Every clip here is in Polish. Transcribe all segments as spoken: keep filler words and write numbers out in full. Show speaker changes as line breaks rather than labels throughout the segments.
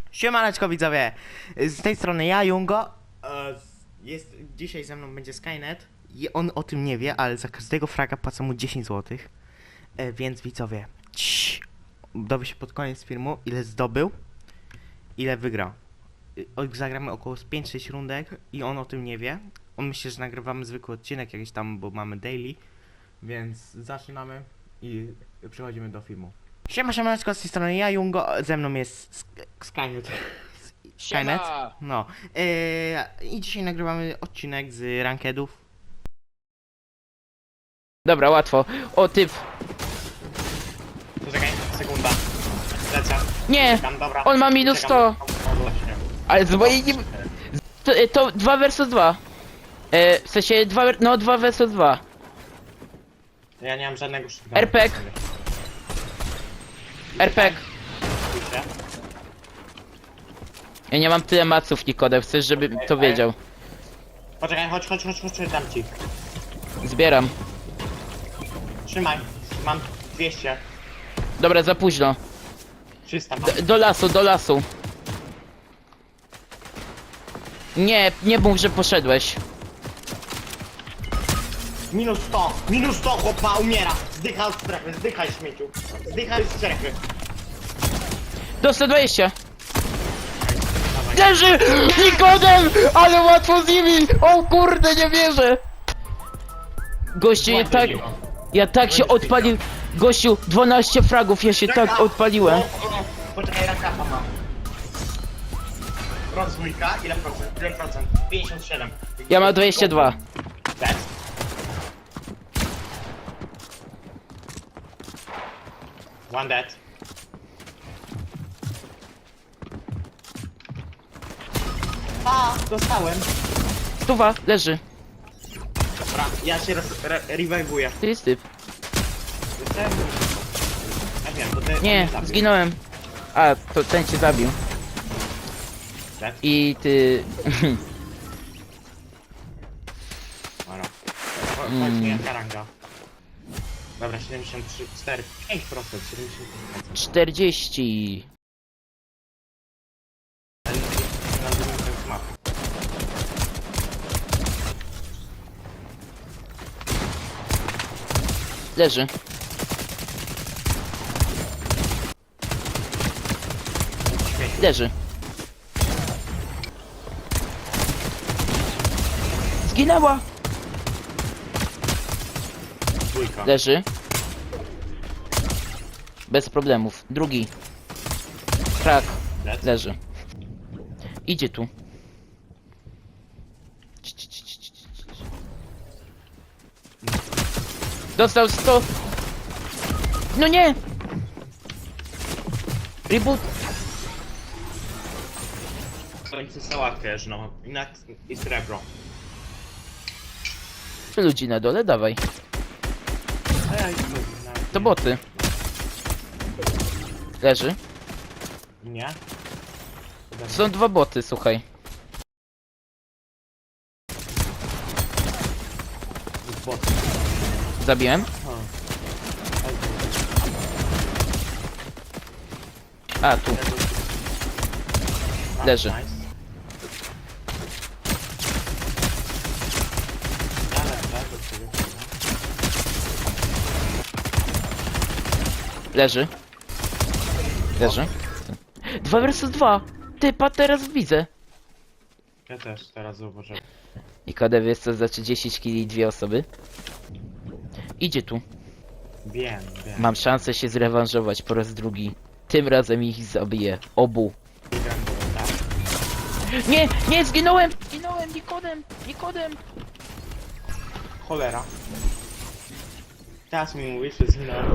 Siemaneczko widzowie, z tej strony ja, Jungo. E, jest, dzisiaj ze mną będzie Skynet i on o tym nie wie, ale za każdego fraga płacę mu dziesięć złotych. E, więc widzowie, cii, dowie się pod koniec filmu, ile zdobył, ile wygrał. E, zagramy około pięć sześć rundek i on o tym nie wie. On myśli, że nagrywamy zwykły odcinek jakiś tam, bo mamy daily. Więc zaczynamy i przechodzimy do filmu. Siema, siemaneczko, z tej strony ja, Jungo, ze mną jest Sk Skynet. Skynet? No. Yy, I dzisiaj nagrywamy odcinek z rankedów.
Dobra, łatwo. O, typ.
Poczekaj, sekunda. Lecę.
Nie!
Czekam, dobra.
On ma minus sto.
O, właśnie.
Ale z mojej nie... To, to dwa versus dwa. E, w sensie dwa, ver- no dwa versus dwa.
Ja nie mam żadnego szybkiego.
R P G. R P G. Ja nie mam tyle maców, Nikodem. Chcesz, żebym to wiedział.
Poczekaj, chodź, chodź, chodź, chodź, dam ci.
Zbieram.
Trzymaj. Mam dwieście.
Dobra, za późno.
trzysta mam.
D do lasu, do lasu. Nie, nie mów, że poszedłeś.
Minus sto, minus sto, chłopa, umiera. Zdychaj z strefy, zdychaj śmieciu. Zdychaj z strefy.
Do sto dwadzieścia. Leży! Nikodem! Ale łatwo z nimi! O kurde, nie wierzę! Gościu, ja tak... Ja tak się odpalił... Gościu, dwanaście fragów, ja się tak odpaliłem.
Poczekaj, rakapa mam. Rozwójka, ile procent? Ile procent? pięćdziesiąt siedem.
Ja mam dwadzieścia dwa.
Dead. One dead. A, dostałem.
Stuwa, leży.
Dobra, ja się re- re- rewiveuję.
To jest typ.
Jestem... Ja wiem, to ty...
Nie,
zabił.
zginąłem. A, to ten cię zabił.
Dead?
I ty...
Dobra. Chodź mi jaka ranga. Dobra, siedemdziesiąt trzy, cztery, pięć procent, siedemdziesiąt pięć procent.
czterdzieści.
Na drugim końcu mapy.
Leży.
Śmieci.
Leży. Zginęła.
Dwójka.
Leży. Bez problemów. Drugi. Krak.
Dead.
Leży. Idzie tu. Dostał sto. No nie! Reboot.
To nic nie załatwiasz, no. Inak i srebro.
Ludzi na dole, dawaj.
Ej,
To boty. Leży.
Nie?
Są dwa boty, słuchaj.
Bot.
Zabiłem. A, tu. Leży.
Nice. Ja lecę do ciebie.
Leży. Leży. Dwa versus dwa. Typa teraz widzę.
Ja też teraz zauważyłem.
I K D wiesz co znaczy dziesięć kili i dwie osoby? Idzie tu.
Wiem, wiem.
Mam szansę się zrewanżować po raz drugi. Tym razem ich zabiję. Obu.
Gram do tak?
Nie, nie, zginąłem! Zginąłem, Nikodem! Nikodem!
Cholera. Teraz mi mówisz, że zginąłem.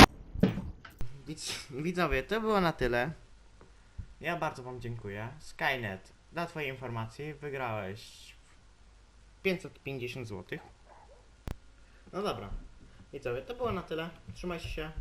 Widzowie, to było na tyle. Ja bardzo wam dziękuję. Skynet, dla twojej informacji wygrałeś pięćset pięćdziesiąt złotych. No dobra. Widzowie, to było na tyle. Trzymajcie się.